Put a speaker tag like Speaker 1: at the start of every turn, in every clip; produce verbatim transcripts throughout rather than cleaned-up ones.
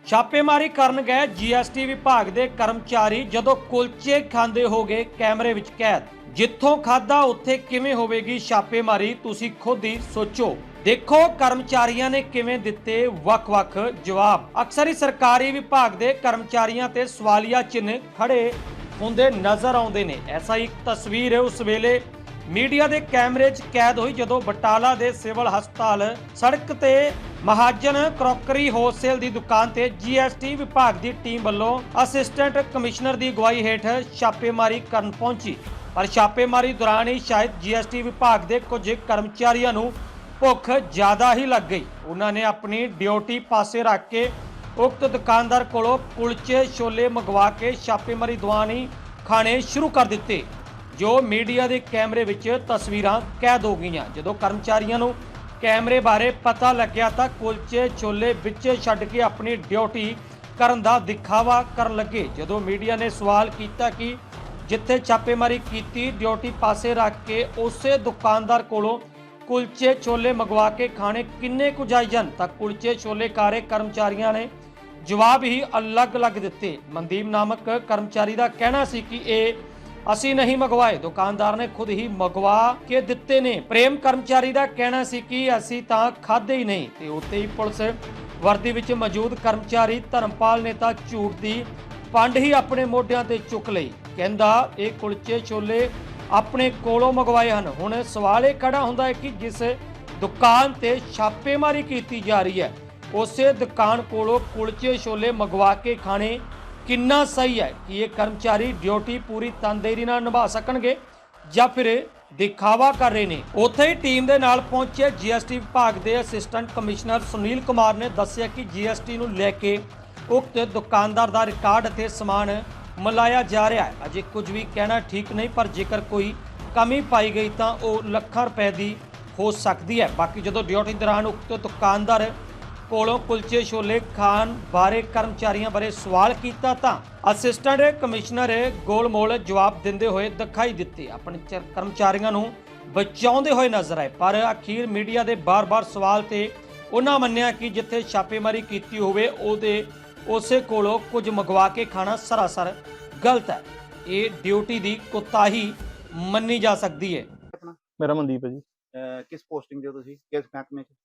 Speaker 1: ਛਾਪੇਮਾਰੀ ਕਰਨ ਗਏ ਜੀਐਸਟੀ ਵਿਭਾਗ ਦੇ ਕਰਮਚਾਰੀ ਜਦੋਂ ਕੁਲਚੇ ਖਾਂਦੇ ਹੋ ਗਏ ਕੈਮਰੇ ਵਿੱਚ ਕੈਦ। ਜਿੱਥੋਂ ਖਾਦਾ ਉੱਥੇ ਕਿਵੇਂ ਹੋਵੇਗੀ ਛਾਪੇਮਾਰੀ, ਤੁਸੀਂ ਖੁਦ ਹੀ ਸੋਚੋ। ਦੇਖੋ ਕਰਮਚਾਰੀਆਂ ਨੇ ਕਿਵੇਂ ਦਿੱਤੇ ਵੱਖ-ਵੱਖ ਜਵਾਬ। ਅਕਸਰ ਹੀ ਸਰਕਾਰੀ ਵਿਭਾਗ ਦੇ ਕਰਮਚਾਰੀਆਂ ਤੇ ਸਵਾਲੀਆ ਚਿੰਨ੍ਹ ਖੜੇ ਹੁੰਦੇ ਨਜ਼ਰ ਆਉਂਦੇ ਨੇ। ਐਸਾ ਇੱਕ ਤਸਵੀਰ ਹੈ ਉਸ ਵੇਲੇ ਮੀਡੀਆ ਦੇ ਕੈਮਰੇ 'ਚ ਕੈਦ ਹੋਈ ਜਦੋਂ ਬਟਾਲਾ ਦੇ ਸਿਵਲ ਹਸਪਤਾਲ ਸੜਕ ਤੇ ਮਹਾਜਨ ਕਰੋਕਰੀ ਹੋਲਸੇਲ ਦੀ ਦੁਕਾਨ ਤੇ ਜੀਐਸਟੀ ਵਿਭਾਗ ਦੀ ਟੀਮ ਵੱਲੋਂ ਅਸਿਸਟੈਂਟ ਕਮਿਸ਼ਨਰ ਦੀ ਅਗਵਾਈ ਹੇਠ ਛਾਪੇਮਾਰੀ ਕਰਨ ਪਹੁੰਚੀ। ਪਰ ਛਾਪੇਮਾਰੀ ਦੌਰਾਨ ਹੀ ਸ਼ਾਇਦ ਜੀਐਸਟੀ ਵਿਭਾਗ ਦੇ ਕੁਝ ਕਰਮਚਾਰੀਆਂ ਨੂੰ ਭੁੱਖ ਜ਼ਿਆਦਾ ਹੀ ਲੱਗ ਗਈ। ਉਹਨਾਂ ਨੇ ਆਪਣੀ ਡਿਊਟੀ ਪਾਸੇ ਰੱਖ ਕੇ ਉਕਤ ਦੁਕਾਨਦਾਰ ਕੋਲੋਂ ਕੁਲਚੇ ਛੋਲੇ ਮੰਗਵਾ ਕੇ ਛਾਪੇਮਾਰੀ ਦੌਰਾਨ ਹੀ ਖਾਣੇ ਸ਼ੁਰੂ ਕਰ ਦਿੱਤੇ, ਜੋ ਮੀਡੀਆ ਦੇ ਕੈਮਰੇ ਵਿੱਚ ਤਸਵੀਰਾਂ ਕੈਦ ਹੋ ਗਈਆਂ। ਜਦੋਂ ਕਰਮਚਾਰੀਆਂ ਨੂੰ ਕੈਮਰੇ ਬਾਰੇ ਪਤਾ ਲੱਗਿਆ ਤਾਂ ਕੁਲਚੇ ਛੋਲੇ ਵਿੱਚ ਛੱਡ ਕੇ ਆਪਣੀ ਡਿਊਟੀ ਕਰਨ ਦਾ ਦਿਖਾਵਾ ਕਰਨ ਲੱਗੇ। ਜਦੋਂ ਮੀਡੀਆ ਨੇ ਸਵਾਲ ਕੀਤਾ ਕਿ ਜਿੱਥੇ ਛਾਪੇਮਾਰੀ ਕੀਤੀ ਡਿਊਟੀ ਪਾਸੇ ਰੱਖ ਕੇ ਉਸੇ ਦੁਕਾਨਦਾਰ ਕੋਲੋਂ ਕੁਲਚੇ ਛੋਲੇ ਮੰਗਵਾ ਕੇ ਖਾਣੇ ਕਿੰਨੇ ਕੁ ਜਾਇਜ਼ ਹਨ, ਤਾਂ ਕੁਲਚੇ ਛੋਲੇ ਕਾਰੇ ਕਰਮਚਾਰੀਆਂ ਨੇ ਜਵਾਬ ਹੀ ਅਲੱਗ-ਅਲੱਗ ਦਿੱਤੇ। ਮਨਦੀਪ ਨਾਮਕ ਕਰਮਚਾਰੀ ਦਾ ਕਹਿਣਾ ਸੀ ਕਿ ਇਹ ਅਸੀਂ ਨਹੀਂ ਮੰਗਵਾਏ, ਦੁਕਾਨਦਾਰ ਨੇ ਖੁਦ ਹੀ ਮੰਗਵਾ ਕੇ ਦਿੱਤੇ ਨੇ। ਪ੍ਰੇਮ ਕਰਮਚਾਰੀ ਦਾ ਕਹਿਣਾ ਸੀ ਕਿ ਅਸੀਂ ਤਾਂ ਖਾਦੇ ਹੀ ਨਹੀਂ। ਤੇ ਉੱਤੇ ਹੀ ਪੁਲਿਸ ਵਰਦੀ ਵਿੱਚ ਮੌਜੂਦ ਕਰਮਚਾਰੀ ਧਰਮਪਾਲ ਨੇ ਤਾਂ ਝੂਠ ਦੀ ਪੰਡ ਹੀ ਆਪਣੇ ਮੋਢਿਆਂ ਤੇ ਚੁੱਕ ਲਈ। ਕਹਿੰਦਾ ਇਹ ਕੁਲਚੇ ਛੋਲੇ ਆਪਣੇ ਕੋਲੋਂ ਮੰਗਵਾਏ ਹਨ। ਹੁਣ ਸਵਾਲ ਇਹ ਖੜਾ ਹੁੰਦਾ ਹੈ ਕਿ ਜਿਸ ਦੁਕਾਨ ਤੇ ਛਾਪੇਮਾਰੀ ਕੀਤੀ ਜਾ ਰਹੀ ਹੈ ਉਸੇ ਦੁਕਾਨ ਕੋਲੋਂ ਕੁਲਚੇ ਛੋਲੇ ਮੰਗਵਾ ਕੇ ਖਾਣੇ ਕਿੰਨਾ ਸਹੀ ਹੈ ਕਿ ਇਹ ਕਰਮਚਾਰੀ ਡਿਊਟੀ ਪੂਰੀ ਤਨਦੇਹੀ ਨਾਲ ਨਿਭਾ ਸਕਣਗੇ ਜਾਂ ਫਿਰ ਦਿਖਾਵਾ ਕਰ ਰਹੇ ਨੇ। ਉੱਥੇ ਹੀ ਟੀਮ ਦੇ ਨਾਲ ਪਹੁੰਚੇ ਜੀਐਸਟੀ ਵਿਭਾਗ ਦੇ ਅਸਿਸਟੈਂਟ ਕਮਿਸ਼ਨਰ ਸੁਨੀਲ ਕੁਮਾਰ ਨੇ ਦੱਸਿਆ ਕਿ ਜੀਐਸਟੀ ਨੂੰ ਲੈ ਕੇ ਉਕਤ ਦੁਕਾਨਦਾਰ ਦਾ ਰਿਕਾਰਡ ਅਤੇ ਸਮਾਨ ਮਿਲਾਇਆ ਜਾ ਰਿਹਾ ਹੈ। ਅਜੇ ਕੁਝ ਵੀ ਕਹਿਣਾ ਠੀਕ ਨਹੀਂ, ਪਰ ਜੇਕਰ ਕੋਈ ਕਮੀ ਪਾਈ ਗਈ ਤਾਂ ਉਹ ਲੱਖਾਂ ਰੁਪਏ ਦੀ ਹੋ ਸਕਦੀ ਹੈ। ਬਾਕੀ ਜਦੋਂ ਡਿਊਟੀ ਦੌਰਾਨ ਉਕਤ ਦੁਕਾਨਦਾਰ ਕੋਲੋਂ ਕੁਲਚੇ ਛੋਲੇ ਖਾਣ ਬਾਰੇ ਕਰਮਚਾਰੀਆਂ ਬਾਰੇ ਸਵਾਲ ਕੀਤਾ ਤਾਂ ਅਸਿਸਟੈਂਟ ਕਮਿਸ਼ਨਰ ਗੋਲਮੋਲ ਜਵਾਬ ਦਿੰਦੇ ਹੋਏ ਦਿਖਾਈ ਦਿੱਤੇ, ਆਪਣੇ ਕਰਮਚਾਰੀਆਂ ਨੂੰ ਬਚਾਉਂਦੇ ਹੋਏ ਨਜ਼ਰ ਆਏ। ਪਰ ਅਖੀਰ ਮੀਡੀਆ ਦੇ ਬਾਰ-ਬਾਰ ਸਵਾਲ ਤੇ ਉਹਨਾਂ ਮੰਨਿਆ ਕਿ ਜਿੱਥੇ ਛਾਪੇਮਾਰੀ ਕੀਤੀ ਹੋਵੇ ਉਹਦੇ ਉਸੇ ਕੋਲੋਂ ਕੁਝ ਮੰਗਵਾ ਕੇ ਖਾਣਾ ਸਰਾਸਰ ਗਲਤ ਹੈ। ਇਹ ਡਿਊਟੀ ਦੀ ਕੁਤਾਹੀ ਮੰਨੀ ਜਾ ਸਕਦੀ ਹੈ।
Speaker 2: ਮੇਰਾ ਮਨਦੀਪ ਹੈ ਜੀ।
Speaker 3: ਕਿਸ ਪੋਸਟਿੰਗ ਦੇ ਹੋ ਤੁਸੀਂ, ਕਿਸ ਮਹਿਕਮੇ 'ਚ?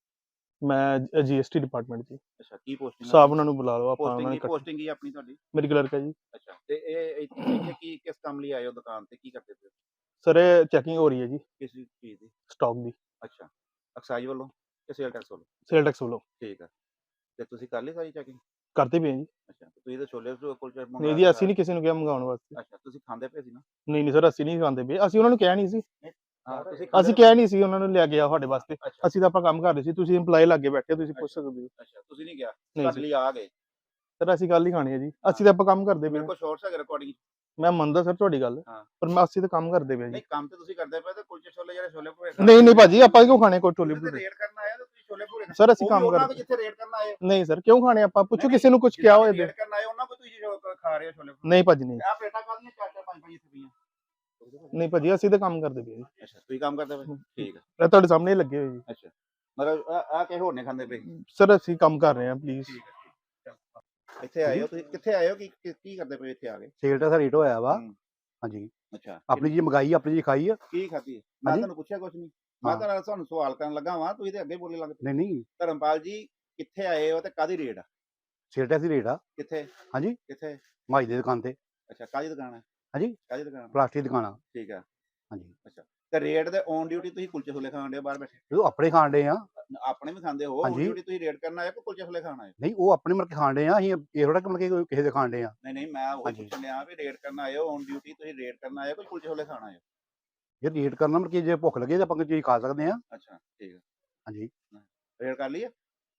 Speaker 2: ਮੈਂ ਜੀਐਸਟੀ ਡਿਪਾਰਟਮੈਂਟ ਜੀ।
Speaker 3: ਅੱਛਾ, ਕੀ ਪੋਸਟਿੰਗ?
Speaker 2: ਸਾਹਿਬ ਉਹਨਾਂ ਨੂੰ ਬੁਲਾ ਲਓ, ਆਪਾਂ ਉਹਨਾਂ
Speaker 3: ਪੋਸਟਿੰਗ
Speaker 2: ਨੇ
Speaker 3: ਕੀ ਪੋਸਟਿੰਗ ਕੀ ਆਪਣੀ ਤੁਹਾਡੀ?
Speaker 2: ਮੇਰੀ ਕਲਰਕ ਹੈ ਜੀ।
Speaker 3: ਅੱਛਾ, ਤੇ ਇਹ ਇੱਥੇ ਇੱਥੇ ਕੀ ਕਿਸ ਕੰਮ ਲਈ ਆਏ ਹੋ ਦੁਕਾਨ ਤੇ, ਕੀ ਕਰਦੇ ਪਏ ਹੋ?
Speaker 2: ਸਰ ਇਹ ਚੈਕਿੰਗ ਹੋ ਰਹੀ ਹੈ ਜੀ
Speaker 3: ਕਿਸ ਚੀਜ਼ ਦੀ?
Speaker 2: ਸਟਾਕ ਦੀ।
Speaker 3: ਅੱਛਾ, ਐਕਸਾਈਜ਼ ਵੱਲੋਂ ਕਿ ਸੇਲ ਟੈਕਸ ਵੱਲੋਂ?
Speaker 2: ਸੇਲ ਟੈਕਸ ਵੱਲੋਂ।
Speaker 3: ਠੀਕ ਹੈ, ਤੇ ਤੁਸੀਂ ਕਰ ਲਈ ਸਾਰੀ ਚੈਕਿੰਗ?
Speaker 2: ਕਰਦੇ ਪਏ ਜੀ।
Speaker 3: ਅੱਛਾ, ਤੁਸੀਂ ਤਾਂ ਛੋਲੇ ਕੁਲਚੇ ਮੰਗਾ
Speaker 2: ਨਹੀਂ ਜੀ, ਅਸੀਂ ਨਹੀਂ ਕਿਸੇ ਨੂੰ ਕਿਹਾ ਮੰਗਾਉਣ ਵਾਸਤੇ।
Speaker 3: ਅੱਛਾ, ਤੁਸੀਂ ਖਾਂਦੇ ਪਏ ਸੀ ਨਾ?
Speaker 2: ਨਹੀਂ ਨਹੀਂ ਸਰ, ਅਸੀਂ ਨਹੀਂ ਖਾਂਦੇ ਪਏ, ਅਸੀਂ ਉਹਨਾਂ ਨੂੰ ਕਿਹਾ ਨਹੀਂ ਸੀ।
Speaker 3: ਹਾਂ, ਤੁਸੀਂ
Speaker 2: ਅਸੀਂ ਕਿਹਾ ਨਹੀਂ ਸੀ ਉਹਨਾਂ ਨੂੰ ਲਿਆ ਗਿਆ ਸਾਡੇ ਵਾਸਤੇ।
Speaker 3: ਅੱਛਾ
Speaker 2: ਅਸੀਂ ਤਾਂ ਆਪਾਂ ਕੰਮ ਕਰ ਰਹੇ ਸੀ, ਤੁਸੀਂ EMPLOYE ਲੱਗੇ ਬੈਠੇ, ਤੁਸੀਂ ਪੁੱਛ ਸਕਦੇ ਹੋ।
Speaker 3: ਅੱਛਾ, ਤੁਸੀਂ ਨਹੀਂ ਗਿਆ,
Speaker 2: ਨਹੀਂ
Speaker 3: ਤੁਹਾਡੇ ਲਈ ਆ ਗਏ?
Speaker 2: ਸਰ ਅਸੀਂ ਗੱਲ ਹੀ ਖਾਣੀ ਹੈ ਜੀ, ਅਸੀਂ ਤਾਂ ਆਪਾਂ ਕੰਮ ਕਰਦੇ ਪਏ।
Speaker 3: ਮੇਰੇ ਕੋਲ ਸ਼ੋਰਟਸ ਹੈਗੇ ਰਿਕਾਰਡਿੰਗ।
Speaker 2: ਮੈਂ ਮੰਨਦਾ ਸਰ ਤੁਹਾਡੀ ਗੱਲ,
Speaker 3: ਹਾਂ,
Speaker 2: ਪਰ ਮੈਂ ਅਸੀਂ ਤਾਂ ਕੰਮ ਕਰਦੇ ਪਏ ਜੀ।
Speaker 3: ਨਹੀਂ ਕੰਮ ਤੇ ਤੁਸੀਂ ਕਰਦੇ ਪਏ ਤੇ ਕੁਲਚੇ ਛੋਲੇ ਜਿਹੜੇ ਛੋਲੇ ਭੂਰੇ
Speaker 2: ਨਹੀਂ ਨਹੀਂ ਭਾਜੀ, ਆਪਾਂ ਕਿਉਂ ਖਾਣੇ ਕੋਈ ਟੋਲੀ ਭਟੂਰੇ?
Speaker 3: ਰੇਡ ਕਰਨ ਆਏ ਤਾਂ ਤੁਸੀਂ ਛੋਲੇ ਭੂਰੇ
Speaker 2: ਸਰ ਅਸੀਂ ਕੰਮ
Speaker 3: ਕਰਦੇ
Speaker 2: ਕਰਦੇ।
Speaker 3: ਜਿੱਥੇ ਰੇਡ ਕਰਨ ਆਏ?
Speaker 2: ਨਹੀਂ ਸਰ, ਕਿਉਂ ਖਾਣੇ ਆਪਾਂ? ਪੁੱਛੋ ਕਿਸੇ ਨੂੰ ਕੁਝ ਕਿਹਾ ਹੋਏ ਤੇ।
Speaker 3: ਰੇਡ ਕਰਨ ਆਏ ਉਹਨਾਂ ਕੋ ਤੁਸੀਂ ਖਾ ਰਹੇ ਹੋ ਛੋਲੇ?
Speaker 2: ਨਹੀਂ ਭਾਜੀ ਨਹੀਂ।
Speaker 3: ਆ ਪਲੇਟਾਂ ਕਾਹਦੀਆਂ ਚਾਰ ਚਾਰ ਪੰਜ ਪੰਜ ਇੱਥੇ ਪਈਆਂ?
Speaker 2: ਨਹੀਂ ਭਾਜੀ, ਅਸੀਂ ਤਾਂ ਕੰਮ ਕਰਦੇ ਪਏ ਜੀ।
Speaker 3: ਅੱਛਾ, ਤੁਸੀਂ ਕੰਮ ਕਰਦੇ ਪਏ? ਠੀਕ ਹੈ,
Speaker 2: ਇਹ ਤੁਹਾਡੇ ਸਾਹਮਣੇ ਹੀ ਲੱਗੇ ਹੋਏ ਜੀ।
Speaker 3: ਅੱਛਾ, ਮਤਲਬ ਆ ਕੇ ਹੋਰ ਨੇ ਖਾਂਦੇ ਪਏ?
Speaker 2: ਸਰ ਅਸੀਂ ਕੰਮ ਕਰ ਰਹੇ ਹਾਂ, ਪਲੀਜ਼।
Speaker 3: ਠੀਕ ਹੈ, ਇੱਥੇ ਆਏ ਹੋ ਤੁਸੀਂ, ਕਿੱਥੇ ਆਏ ਹੋ, ਕੀ ਕੀ ਕਰਦੇ ਪਏ ਇੱਥੇ ਆ ਕੇ?
Speaker 4: ਸੇਲ ਟੈਕਸ ਰੇਟ ਹੋਇਆ ਵਾ। ਹਾਂਜੀ,
Speaker 3: ਅੱਛਾ,
Speaker 4: ਆਪਣੀ ਜੀ ਮੰਗਾਈ, ਆਪਣੀ ਜੀ ਖਾਈ ਆ।
Speaker 3: ਕੀ ਖਾਧੀ? ਮੈਂ ਤੁਹਾਨੂੰ ਪੁੱਛਿਆ ਕੁਝ ਨਹੀਂ, ਮੈਂ ਤਾਂ ਤੁਹਾਨੂੰ ਸਵਾਲ ਕਰਨ ਲੱਗਾ ਵਾਂ, ਤੁਸੀਂ ਤੇ ਅੱਗੇ ਬੋਲੇ ਲੱਗ ਪਏ।
Speaker 4: ਨਹੀਂ ਨਹੀਂ,
Speaker 3: ਧਰਮਪਾਲ ਜੀ ਕਿੱਥੇ ਆਏ ਹੋ ਤੇ ਕਾਦੀ ਰੇਡ ਆ?
Speaker 4: ਸੇਲ ਟੈਕਸ ਦੀ ਰੇਟ ਆ।
Speaker 3: ਕਿੱਥੇ?
Speaker 4: ਹਾਂਜੀ,
Speaker 3: ਕਿੱਥੇ?
Speaker 4: ਮਾਈ ਦੀ ਦੁਕਾਨ ਤੇ।
Speaker 3: ਅੱਛਾ, ਕਾਦੀ ਦੁਕਾਨ ਹੈ?
Speaker 4: ਹਾਂਜੀ,
Speaker 3: ਕਾਦੀ ਦੁਕਾਨ?
Speaker 4: ਪਲਾਸਟਿਕ ਦੀ ਦੁਕਾਨ ਆ।
Speaker 3: ਠੀਕ ਹੈ,
Speaker 4: ਹਾਂਜੀ।
Speaker 3: ਅੱਛਾ, ਤੇ ਰੇਡ ਦੇ ਔਨ ਡਿਊਟੀ ਤੁਸੀਂ ਕੁਲਚੇ ਛੋਲੇ ਖਾਣ ਦੇ ਬਾਹਰ ਬੈਠੇ?
Speaker 4: ਜਦੋਂ ਆਪਣੇ ਖਾਣ ਡੇ ਆ।
Speaker 3: ਆਪਣੇ ਵੀ ਖਾਂਦੇ ਹੋ? ਔਨ ਡਿਊਟੀ ਤੁਸੀਂ ਰੇਡ ਕਰਨ ਆਏ ਕਿ ਕੁਲਚੇ ਛੋਲੇ ਖਾਣ ਆਏ?
Speaker 4: ਨਹੀਂ, ਉਹ ਆਪਣੇ ਮਰ ਕੇ ਖਾਣ ਡੇ ਆ, ਅਸੀਂ ਇਹ ਥੋੜਾ ਕਿ ਕੋਈ ਕਿਸੇ ਦੇ ਖਾਣ ਡੇ ਆ।
Speaker 3: ਨਹੀਂ ਨਹੀਂ, ਮੈਂ ਉਹ ਪੁੱਛਣ ਲਿਆ ਵੀ ਰੇਡ ਕਰਨ ਆਏ ਹੋ, ਔਨ ਡਿਊਟੀ ਤੁਸੀਂ ਰੇਡ ਕਰਨ ਆਏ ਹੋ ਕਿ ਕੁਲਚੇ ਛੋਲੇ ਖਾਣ ਆਏ ਹੋ?
Speaker 4: ਇਹ ਰੇਟ ਕਰਨਾ ਮਰ ਕੇ ਜੇ ਭੁੱਖ ਲੱਗੇ ਤਾਂ ਆਪਾਂ ਕੋਈ ਚੀਜ਼ ਖਾ ਸਕਦੇ ਆ।
Speaker 3: ਅੱਛਾ, ਠੀਕ ਹੈ।
Speaker 4: ਹਾਂਜੀ,
Speaker 3: ਰੇਡ ਕਰ ਲਈ ਹੈ?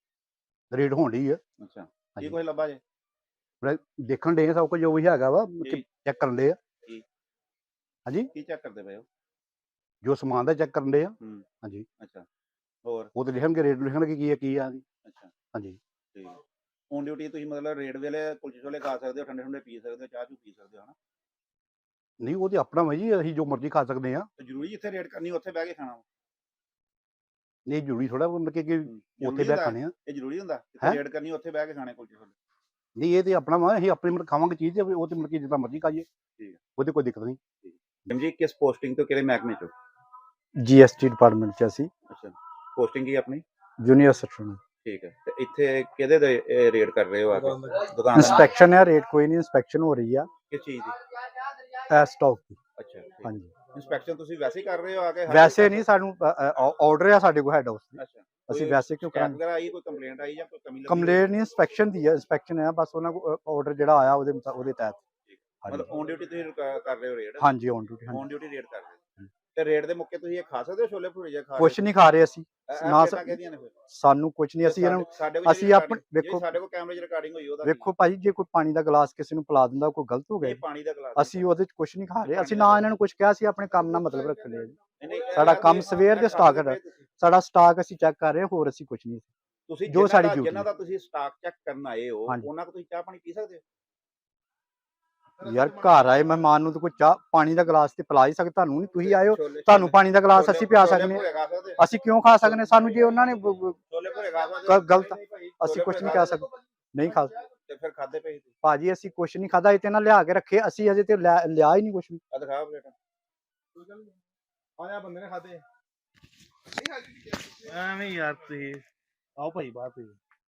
Speaker 4: ਰੇਟ ਹੋਣ ਡਈ ਆ।
Speaker 3: ਅੱਛਾ, ਕੀ ਕੁਝ ਲੱਭਾ ਜੇ?
Speaker 4: ਦੇਖਣ ਡੇ ਸਭ ਕੁਝ ਜੋ ਵੀ ਹੈਗਾ ਵਾ, ਚੈੱਕ ਕਰਨ ਡੇ ਆ।
Speaker 3: ਕੀ?
Speaker 4: ਹਾਂਜੀ,
Speaker 3: ਕੀ ਚੈੱਕ ਕਰਦੇ ਪਏ ਹੋ?
Speaker 4: ਜੋ ਸਮਾਨ ਦਾ ਚੈੱਕ ਕਰਨ ਡੇ ਆ।
Speaker 3: ਹੂੰ,
Speaker 4: ਹਾਂਜੀ।
Speaker 3: ਅੱਛਾ, ਹੋਰ?
Speaker 4: ਉਹ ਤੇ ਲਿਖਣਗੇ, ਰੇਟ ਲਿਖਣਗੇ ਕੀ ਆ ਕੀ ਆ।
Speaker 3: ਅੱਛਾ,
Speaker 4: ਹਾਂਜੀ।
Speaker 3: ਠੀਕ ਹੈ। ਔਨ ਡਿਊਟੀ ਤੁਸੀਂ ਮਤਲਬ ਰੇਡ ਵੇਲੇ ਕੁਲਚੇ ਛੋਲੇ ਖਾ ਸਕਦੇ ਹੋ, ਠੰਡੇ ਠੰਡੇ ਪੀ ਸਕਦੇ ਹੋ, ਚਾਹ ਚੂ ਪੀ ਸਕਦੇ ਹੋ, ਹਨਾ?
Speaker 4: ਨਹੀਂ, ਉਹ ਤੇ ਆਪਣਾ ਵਾ ਜੀ, ਅਸੀਂ ਜੋ ਮਰਜ਼ੀ ਖਾ ਸਕਦੇ ਆ।
Speaker 3: ਤੇ ਜ਼ਰੂਰੀ ਜਿੱਥੇ ਰੇਡ ਕਰਨੀ ਉੱਥੇ ਬਹਿ ਕੇ ਖਾਣਾ?
Speaker 4: ਨਹੀਂ ਜ਼ਰੂਰੀ ਥੋੜਾ ਮਤਲਬ ਕਿ ਉੱਥੇ ਬਹਿ ਖਾਣੇ ਆ।
Speaker 3: ਇਹ ਜ਼ਰੂਰੀ ਹੁੰਦਾ ਜਿੱਥੇ ਰੇਡ ਕਰਨੀ ਉੱਥੇ ਬਹਿ ਕੇ ਖਾਣੇ ਕੁਲਚੇ ਛੋਲੇ?
Speaker 4: ਨਹੀਂ ਇਹ ਤੇ ਆਪਣਾ ਵਾ, ਅਸੀਂ ਆਪਣੀ ਮਤਲਬ ਖਾਵਾਂਗੇ ਚੀਜ਼ ਤੇ ਉਹ ਤੇ ਮਤਲਬ ਕਿ ਜਿੱਦਾਂ ਮਰਜ਼ੀ ਖਾਈਏ।
Speaker 3: ਠੀਕ ਹੈ।
Speaker 4: ਉਹਦੇ ਕੋਈ ਦਿੱਕਤ ਨਹੀਂ।
Speaker 3: ਮੈਮ ਜੀ ਕਿਸ ਪੋਸਟਿੰਗ ਤੋਂ ਕਿਹੜੇ ਮਹਿਕਮੇ ਚੋਂ?
Speaker 4: ਜੀਐਸਟੀ ਡਿਪਾਰਟਮੈਂਟ 'ਚ ਅਸੀਂ
Speaker 3: ਅੱਛਾ, ਪੋਸਟਿੰਗ ਕੀ ਆਪਣੀ?
Speaker 4: Junior assistant.
Speaker 3: ਠੀਕ ਹੈ, ਤੇ ਇੱਥੇ ਕਿਹਦੇ ਦੇ ਰੇਡ ਕਰ ਰਹੇ ਹੋ ਆ ਕੇ? ਦੁਕਾਨ ਦਾ?
Speaker 4: ਇੰਸਪੈਕਸ਼ਨ ਹੈ, ਰੇਟ ਕੋਈ ਨਹੀਂ, ਇੰਸਪੈਕਸ਼ਨ ਹੋ ਰਹੀ ਆ
Speaker 3: ਕਿਸ ਚੀਜ਼ ਦੀ?
Speaker 4: ਇਹ ਸਟਾਕ ਦੀ।
Speaker 3: ਅੱਛਾ, ਠੀਕ।
Speaker 4: ਹਾਂਜੀ,
Speaker 3: ਇੰਸਪੈਕਸ਼ਨ ਤੁਸੀਂ ਵੈਸੇ ਹੀ ਕਰ ਰਹੇ ਹੋ ਆ ਕੇ? ਹਰ
Speaker 4: ਵੈਸੇ
Speaker 3: ਕੋਈ
Speaker 4: ਨਹੀਂ, ਸਾਨੂੰ ਆਰਡਰ ਆ ਸਾਡੇ ਕੋਲ ਹੈਡ ਹਾਊਸ ਦੀ,
Speaker 3: ਅੱਛਾ,
Speaker 4: ਅਸੀਂ
Speaker 3: ਕੋਈ
Speaker 4: ਵੈਸੇ ਕਿਉਂ
Speaker 3: ਸ਼ਿਕਾਇਤ
Speaker 4: ਕਰਾਂਗੇ?
Speaker 3: ਵਗੈਰਾ ਆਈ, ਕੋਈ ਕੰਪਲੇਂਟ ਆਈ ਜਾਂ ਕੋਈ ਕਮੀ ਲੱਗੀ?
Speaker 4: ਕੰਪਲੇਂਟ ਨਹੀਂ, ਇੰਸਪੈਕਸ਼ਨ ਦੀ ਹੈ, ਇੰਸਪੈਕਸ਼ਨ ਹੈ ਬਸ, ਉਹਨਾਂ ਕੋਲ ਆਰਡਰ ਜਿਹੜਾ ਆਇਆ ਉਹਦੇ ਮੁਤਾ- ਉਹਦੇ ਤਹਿਤ।
Speaker 3: ਮਤਲਬ ਔਨ ਡਿਊਟੀ ਤੁਸੀਂ ਕ- ਕਰ ਰਹੇ ਹੋ ਰੇਡ?
Speaker 4: ਹਾਂਜੀ, on duty.
Speaker 3: On duty raid ਕਰ ਰਹੇ ਹੋ, ਤੇ ਰੇਡ ਦੇ ਮੌਕੇ ਤੁਸੀਂ ਇਹ ਖਾ ਸਕਦੇ ਹੋ ਛੋਲੇ ਭਟੂਰੇ ਜਾਂ ਖਾ
Speaker 4: ਕੁਛ ਨਹੀਂ ਖਾ ਰਹੇ ਅਸੀਂ,
Speaker 3: ਇਹ
Speaker 4: ਨਾ
Speaker 3: ਪਲੇਟਾਂ ਕਿਹਦੀਆਂ ਨੇ ਫਿਰ?
Speaker 4: ਸਾਨੂੰ ਕੁਛ ਨਹੀਂ, ਅਸੀਂ ਇਹਨਾਂ ਨੂੰ
Speaker 3: ਸਾਡੇ ਕੋਲ
Speaker 4: ਅਸੀਂ
Speaker 3: ਜਿਹੜੀ
Speaker 4: ਆਪਣੇ
Speaker 3: recording- ਜਿਹੜੀ
Speaker 4: ਵੇਖੋ
Speaker 3: ਸਾਡੇ ਕੋਲ ਕੈਮਰੇ 'ਚ ਰਿਕਾਰਡਿੰਗ ਹੋਈ ਉਹਦਾ
Speaker 4: ਵੇਖੋ ਭਾਜੀ, ਜੇ ਕੋਈ ਪਾਣੀ ਦਾ ਗਲਾਸ ਕਿਸੇ ਨੂੰ ਪਿਲਾ ਦਿੰਦਾ ਕੋਈ ਗਲਤ ਹੋ
Speaker 3: ਕੀ? ਇਹ
Speaker 4: ਗਿਆ।
Speaker 3: ਪਾਣੀ ਦਾ ਗਲਾਸ
Speaker 4: ਅਸੀਂ ਉਹਦੇ 'ਚ ਕੁਛ ਨਹੀਂ ਖਾ ਰਹੇ, ਅਸੀਂ ਨਾ ਇਹਨਾਂ ਨੂੰ ਕੁਛ ਕਿਹਾ, ਅਸੀਂ ਆਪਣੇ ਕੰਮ ਨਾਲ ਮਤਲਬ ਰੱਖਦੇ ਹਾਂ ਜੀ।
Speaker 3: ਨਹੀਂ, ਨਹੀਂ, ਇਹ
Speaker 4: ਸਾਡਾ
Speaker 3: ਯਾਰ
Speaker 4: ਕੰਮ
Speaker 3: ਇਹ
Speaker 4: ਸਵੇਰ ਦੇ
Speaker 3: ਇਹ
Speaker 4: ਸਟਾਕ
Speaker 3: ਖਾਂਦੇ
Speaker 4: ਹੈ।
Speaker 3: ਪਏ ਤੁਸੀਂ।
Speaker 4: ਸਾਡਾ ਸਟਾਕ ਅਸੀਂ ਚੈੱਕ ਕਰ ਰਹੇ ਹਾਂ, ਹੋਰ ਅਸੀਂ ਕੁਛ ਨਹੀਂ।
Speaker 3: ਤੁਸੀਂ
Speaker 4: ਜੋ
Speaker 3: ਜਿਨ੍ਹਾਂ
Speaker 4: ਸਾਡੀ
Speaker 3: ਦਾ-
Speaker 4: duty
Speaker 3: ਜਿਨ੍ਹਾਂ ਦਾ ਤੁਸੀਂ ਸਟਾਕ ਚੈੱਕ ਕਰਨ ਆਏ ਹੋ,
Speaker 4: ਹਾਂਜੀ।
Speaker 3: ਉਹਨਾਂ ਕੋਲ ਤੁਸੀਂ ਚਾਹ ਪਾਣੀ ਪੀ ਸਕਦੇ ਹੋ?
Speaker 4: ਯਾਰ ਘਰ ਆਏ ਮਹਿਮਾਨ ਨੂੰ ਤਾਂ ਕੋਈ ਚਾਹ ਪਾਣੀ ਦਾ ਗਲਾਸ ਤੇ ਪਿਲਾ ਹੀ ਸਕਦੇ, ਤੁਹਾਨੂੰ ਨਹੀਂ, ਤੁਸੀਂ ਆਏ ਹੋ
Speaker 3: ਛੋਲੇ-
Speaker 4: ਤੁਹਾਨੂੰ ਪਾਣੀ ਦਾ ਗਲਾਸ
Speaker 3: ਛੋਲੇ-
Speaker 4: ਅਸੀਂ ਪਿਆ
Speaker 3: ਛੋਲੇ
Speaker 4: ਸਕਦੇ ਹਾਂ।
Speaker 3: ਭਟੂਰੇ ਖਾ ਸਕਦੇ ਹੋ?
Speaker 4: ਅਸੀਂ ਕਿਉਂ ਖਾ ਸਕਦੇ ਹਾਂ? ਸਾਨੂੰ ਜੇ ਉਹਨਾਂ ਨੇ ਬ- ਬ-
Speaker 3: ਛੋਲੇ ਭਟੂਰੇ ਖਾ ਸਕਦੇ
Speaker 4: ਗ-
Speaker 3: ਹੋ?
Speaker 4: ਗਲਤ
Speaker 3: ਨਹੀਂ, ਨਹੀਂ ਭਾਈ,
Speaker 4: ਅਸੀਂ
Speaker 3: ਛੋਲੇ
Speaker 4: ਕੁਛ
Speaker 3: ਭਟੂਰੇ
Speaker 4: ਨਹੀਂ
Speaker 3: ਖਾ
Speaker 4: ਕਹਿ ਸਕਦੇ, ਨਹੀਂ ਖਾ ਸਕਦੇ।
Speaker 3: ਤੇ ਫਿਰ ਖਾਦੇ ਪਏ ਤੁਸੀਂ?
Speaker 4: ਭਾਜੀ ਅਸੀਂ ਕੁਛ ਨਹੀਂ ਖਾਦਾ, ਇਹ ਤੇ ਨਾ ਲਿਆ ਕੇ ਰੱਖੇ, ਅਸੀਂ ਅਜੇ ਤੇ ਲਿਆ ਲਿਆ ਹੀ ਨਹੀਂ ਕੁਛ ਵੀ।
Speaker 3: ਆ ਦਿਖਾ ਪਲੇਟਾਂ।
Speaker 2: ਆਇਆ ਬੰਦੇ ਨੇ ਖਾਦੇ ਐਵੇਂ ਯਾਰ ਤੁਸੀਂ ਆਓ ਭਾਈ ਬਾਹਰ ਤੁਸੀਂ।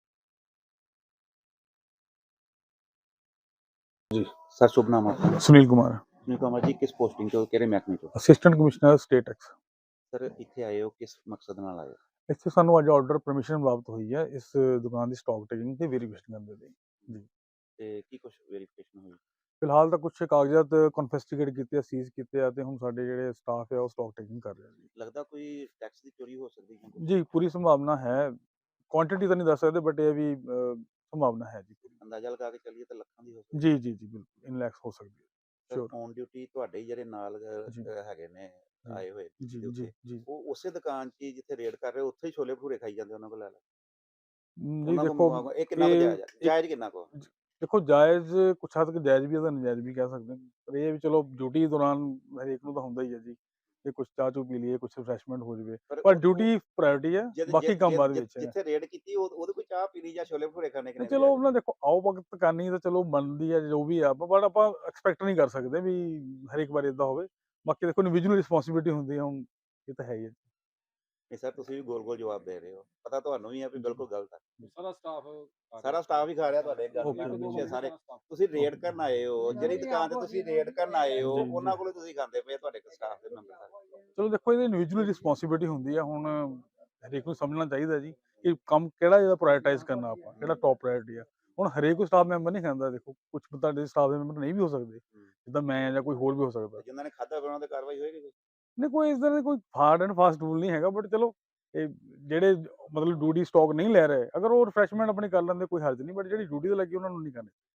Speaker 3: ਸਰ ਸ਼ੁਭ ਨਾਮ ਆਪਣਾ?
Speaker 5: ਸੁਨੀਲ ਕੁਮਾਰ,
Speaker 3: ਸੁਨੀਲ ਕੁਮਾਰ ਜੀ, ਕਿਸ ਪੋਸਟਿੰਗ ਤੋਂ ਕਿਹੜੇ ਮਹਿਕਮੇ ਤੋਂ?
Speaker 5: Assistant commissioner state tax.
Speaker 3: Sir ਇੱਥੇ ਆਏ ਹੋ ਕਿਸ ਮਕਸਦ ਨਾਲ ਆਏ ਹੋ?
Speaker 5: ਇੱਥੇ ਸਾਨੂੰ ਅੱਜ ਆਰਡਰ ਪਰਮਿਸ਼ਨ ਪ੍ਰਾਪਤ ਹੋਈ ਹੈ ਇਸ ਦੁਕਾਨ ਦੀ ਸਟਾਕ ਟੇਕਿੰਗ ਤੇ ਵੈਰੀਫਿਕੇਸ਼ਨ ਕਰਨ ਦੇ ਲਈ।
Speaker 3: ਤੇ ਕੀ ਕੁਝ ਵੈਰੀਫਿਕੇਸ਼ਨ ਹੋਈ?
Speaker 5: ਫਿਲਹਾਲ ਤਾਂ ਕੁਝ ਕਾਗਜ਼ਾਤ ਕਨਫਿਸਕੇਟ ਕੀਤੇ ਆ, ਸੀਜ਼ ਕੀਤੇ ਆ, ਤੇ ਹੁਣ ਸਾਡੇ ਜਿਹੜੇ ਸਟਾਫ ਹੈ ਉਹ ਸਟਾਕ ਟੇਕਿੰਗ ਕਰ ਰਿਹਾ ਜੀ।
Speaker 3: ਲੱਗਦਾ ਕੋਈ ਟੈਕਸ ਦੀ ਚੋਰੀ ਹੋ ਸਕਦੀ ਹੈ?
Speaker 5: ਜੀ ਪੂਰੀ ਸੰਭਾਵਨਾ ਹੈ, ਕੁਆਂਟੀਟੀ ਤਾਂ ਨਹੀਂ ਦੱਸ ਸਕਦੇ ਬਟ ਇਹ ਵੀ ਅਹ, ਸੰਭਾਵਨਾ ਹੈ ਜੀ।
Speaker 3: ਅੰਦਾਜ਼ਾ ਲਗਾ ਕੇ ਚੱਲੀਏ ਤਾਂ ਲੱਖਾਂ ਦੀ ਹੋ ਸਕਦੀ
Speaker 5: ਜੀ ਜੀ ਜੀ ਬਿਲਕੁਲ ਇਨ ਲੈਕਸ ਹੋ ਸਕਦੀ ਹੈ।
Speaker 3: ਹੈ।
Speaker 5: sure।
Speaker 3: ਔਨ ਡਿਊਟੀ ਤੁਹਾਡੇ ਹੀ ਜਿਹੜੇ ਨਾਲ ਅਹ,
Speaker 5: ਜੀ।
Speaker 3: ਅਹ, ਹੈਗੇ ਨੇ ਆਏ ਹੋਏ
Speaker 5: ਜੀ
Speaker 3: ਦੇ
Speaker 5: ਜੀ
Speaker 3: ਉੱਤੇ,
Speaker 5: ਜੀ
Speaker 3: ਉਹ ਉਸੇ ਦੁਕਾਨ 'ਚ ਹੀ ਜਿੱਥੇ ਰੇਡ ਕਰ ਰਹੇ ਹੋ, ਉੱਥੇ ਹੀ ਛੋਲੇ ਭਟੂਰੇ ਖਾਈ ਜਾਂਦੇ ਉਹਨਾਂ ਕੋਲ ਲੈ ਲੈ?
Speaker 5: ਜੀ
Speaker 3: ਉਹਨਾਂ
Speaker 5: ਦੇਖੋ
Speaker 3: ਕੋਲ ਇਹ ਕਿੰਨਾ ਕੁ
Speaker 5: ਇਹ-
Speaker 3: ਜਾਇਜ਼ ਹੈ? ਜਾਇਜ਼ ਕਿੰਨਾ ਕੁ?
Speaker 5: ਦੇਖੋ ਜਾਇਜ਼ ਕੁਛ ਹੱਦ ਤੱਕ ਜਾਇਜ਼ ਵੀ ਹੈ ਤਾਂ ਨਜਾਇਜ਼ ਵੀ ਕਹਿ ਸਕਦੇ ਹਾਂ, ਪਰ ਇਹ ਵੀ ਚਲੋ ਡਿਊਟੀ ਦੌਰਾਨ ਹਰੇਕ ਨੂੰ ਤਾਂ ਹੁੰਦਾ ਹੀ ਹੈ ਜੀ ਕਿ ਕੁਛ ਚਾਹ ਚੂ ਪੀ ਲਈਏ, ਕੁਛ ਰਿਫਰੈਸ਼ਮੈਂਟ ਹੋ ਜਾਵੇ, ਪਰ
Speaker 3: ਉਹ-
Speaker 5: ਡਿਊਟੀ ਪ੍ਰਾਇੋਰਟੀ ਹੈ,
Speaker 3: ਜਿ-
Speaker 5: ਬਾਕੀ
Speaker 3: ਜਿ-
Speaker 5: ਕੰਮ
Speaker 3: ਜਿ-
Speaker 5: ਬਾਅਦ
Speaker 3: ਜਿ-
Speaker 5: ਵਿੱਚ ਹੈ।
Speaker 3: ਜਿੱਥੇ ਰੇਡ ਕੀਤੀ ਉਹ- ਉਹਦੇ ਕੋਈ ਚਾਹ ਪੀਣੀ ਜਾਂ ਛੋਲੇ ਭਟੂਰੇ ਖਾਣੇ
Speaker 5: ਤੇ
Speaker 3: ਕਿੰਨੇ
Speaker 5: ਚਲੋ ਉਹਨਾਂ ਦੇਖੋ ਆਓ ਵਕਤ ਕਰਨੀ ਤਾਂ ਚਲੋ ਬਣਦੀ ਹੈ ਜੋ ਵੀ ਆ, ਬਟ ਆਪਾਂ ਐਕਸਪੈਕਟ ਨਹੀਂ ਕਰ ਸਕਦੇ ਵੀ ਹਰੇਕ ਵਾਰ ਇਦਾਂ ਹੋਵੇ। ਬਾਕੀ ਦੇਖੋ ਇੰਡੀਵਿਜੂਅਲ ਰਿਸਪੌਂਸਿਬਿਲਿਟੀ ਹੁੰਦੀ ਹੈ, ਹੁਣ ਇਹ ਤਾਂ ਹੈ ਹੀ ਹੈ।
Speaker 3: ਨਹੀਂ ਸਰ, ਤੁਸੀਂ ਵੀ ਗੋਲ ਗੋਲ ਜਵਾਬ ਦੇ ਰਹੇ ਹੋ, ਪਤਾ ਤੁਹਾਨੂੰ ਵੀ ਹੈ ਵੀ ਬਿਲਕੁਲ ਗਲਤ ਹੈ।
Speaker 6: ਸਾਰਾ ਸਟਾਫ
Speaker 3: ਸਾਰਾ ਸਟਾਫ ਹੀ ਖਾ ਰਿਹਾ ਤੁਹਾਡੇ ਗੱਲ
Speaker 5: Okay,
Speaker 3: ਪਿੱਛੇ
Speaker 5: okay.
Speaker 3: ਸਾਰੇ। ਤੁਸੀਂ ਰੇਡ ਕਰਨ ਆਏ ਹੋ, ਜਿਹੜੀ ਦੁਕਾਨ ਤੇ ਤੁਸੀਂ ਰੇਡ ਕਰਨ ਆਏ ਹੋ,
Speaker 5: ਜੀ, ਜੀ।
Speaker 3: ਉਹਨਾਂ ਕੋਲੋਂ ਤੁਸੀਂ ਖਾਂਦੇ ਪਏ ਤੁਹਾਡੇ ਸਟਾਫ ਦੇ ਮੈਂਬਰ ਸਾਰੇ।
Speaker 5: ਚਲੋ ਦੇਖੋ ਇਹਦੀ ਇੰਡੀਵਿਜੂਅਲ ਰਿਸਪੌਂਸਿਬਿਲਿਟੀ ਹੁੰਦੀ ਹੈ, ਹੁਣ ਹਰੇਕ ਨੂੰ ਸਮਝਣਾ ਚਾਹੀਦਾ ਜੀ ਕਿ ਕੰਮ ਕਿਹੜਾ ਜਿਹੜਾ ਪ੍ਰਾਇੋਰਟਾਈਜ਼ ਕਰਨਾ, ਆਪਾਂ ਕਿਹੜਾ ਟੌਪ ਪ੍ਰਾਇੋਰਟੀ ਆ। ਹੁਣ ਹਰੇਕ ਕੋਈ ਸਟਾਫ ਮੈਂਬਰ ਨਹੀਂ ਖਾਂਦਾ, ਦੇਖੋ ਕੁਝ ਤੁਹਾਡੇ ਸਟਾਫ ਦੇ ਮੈਂਬਰ ਨਹੀਂ ਵੀ ਹੋ ਸਕਦੇ, ਜਿੱਦਾਂ ਮੈਂ ਜਾਂ ਕੋਈ ਹੋਰ ਵੀ ਹੋ ਸਕਦਾ।
Speaker 3: ਜਿਨ੍ਹਾਂ ਨੇ ਖਾਧਾ ਉਹਨਾਂ ਤੇ ਕਾਰਵਾਈ ਹੋਏਗੀ ਕੋਈ?
Speaker 5: ਨਹੀਂ ਕੋਈ ਇਸ ਤਰ੍ਹਾਂ ਦਾ ਕੋਈ ਹਾਰਡ ਐਂਡ ਫਾਸਟ ਰੂਲ ਨਹੀਂ ਹੈਗਾ, ਬਟ ਚਲੋ ਇਹ ਜਿਹੜੇ ਮਤਲਬ ਡਿਊਟੀ ਸਟਾਕ ਨਹੀਂ ਲੈ ਰਹੇ, ਅਗਰ ਉਹ ਰਿਫਰੈਸ਼ਮੈਂਟ ਆਪਣੀ ਕਰ ਲੈਂਦੇ ਕੋਈ ਹਰਜ ਨਹੀਂ, ਬਟ ਜਿਹੜੀ ਡਿਊਟੀ ਤੇ ਲੱਗੀ ਉਹਨਾਂ ਨੂੰ ਨਹੀਂ ਕਰਨੀ।